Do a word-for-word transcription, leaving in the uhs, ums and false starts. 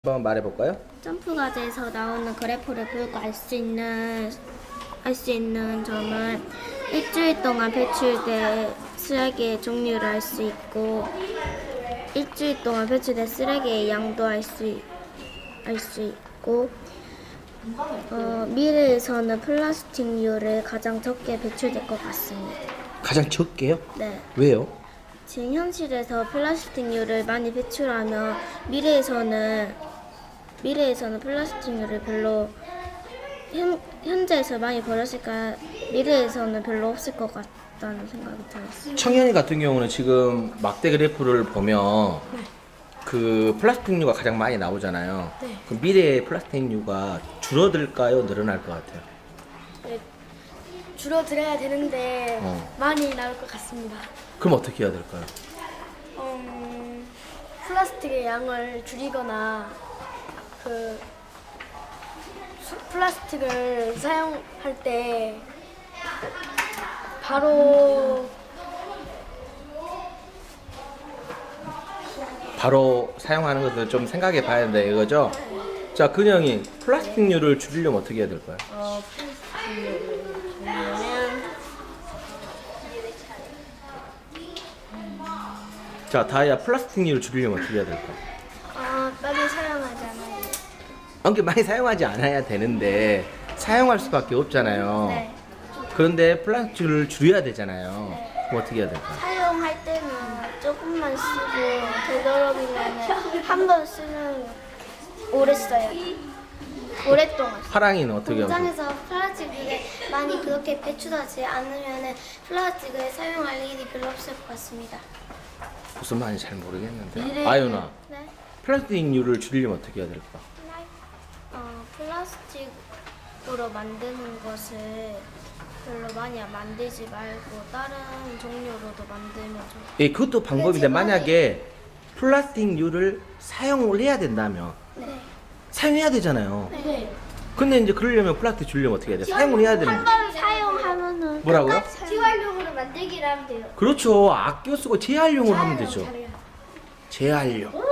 한번 말해볼까요? 점프 과제에서 나오는 그래프를 보고 알 수 있는 알 수 있는 점은 일주일 동안 배출된 쓰레기의 종류를 알 수 있고 일주일 동안 배출된 쓰레기의 양도 알 수 알 수 있고 어, 미래에서는 플라스틱류를 가장 적게 배출될 것 같습니다. 가장 적게요? 네. 왜요? 지금 현실에서 플라스틱류를 많이 배출하면 미래에서는 미래에서는 플라스틱류를 별로 현, 현재에서 많이 버렸을까 미래에서는 별로 없을 것 같다는 생각이 들었어요. 청년이 같은 경우는 지금 막대 그래프를 보면 네. 그 플라스틱류가 가장 많이 나오잖아요. 네. 그 미래의 플라스틱류가 줄어들까요? 늘어날 것 같아요? 네, 줄어들어야 되는데 어. 많이 나올 것 같습니다. 그럼 어떻게 해야 될까요? 음, 플라스틱의 양을 줄이거나 그 수- 플라스틱을 사용할 때 바로 바로 사용하는 것을 좀 생각해 봐야 된다 이거죠? 자, 근영이 플라스틱류를 줄이려면 어떻게 해야 될까요? 어, 플라스틱을 줄이려면 자, 다이아 플라스틱류를 줄이려면 어떻게 해야 될까요? 어, 빨리 사용하지 않아요. 아무튼 많이 사용하지 않아야 되는데 사용할 수밖에 없잖아요. 네. 그런데 플라스틱을 줄여야 되잖아요. 그럼 어떻게 해야 될까요? 사용할 때는 조금만 쓰고 되도록이면 한 번 쓰면 오래 써요. 오랫동안. 파랑이는 어떻게 하고? 공장에서 플라스틱을 많이 그렇게 배출하지 않으면 플라스틱을 사용할 일이 별로 없을 것 같습니다. 무슨 말인지 잘 모르겠는데. 아유나, 네? 플라스틱류를 줄이려면 어떻게 해야 될까? 어, 플라스틱으로 만드는 것을 별로 많이 만들지 말고 다른 종류로도 만들면 좋을 예, 그것도 방법인데 제가- 만약에 플라스틱류를 사용을 해야 된다면 네. 사용해야 되잖아요. 네. 근데 이제 그러려면 플라스틱 줄이려면 어떻게 해야 돼? 사용을 해야 되는 거죠. 번 사용하면은 뭐라고요? 재활용으로 만들기를 하면 돼요. 그렇죠. 아껴 쓰고 재활용을 하면 되죠. 잘해요. 재활용.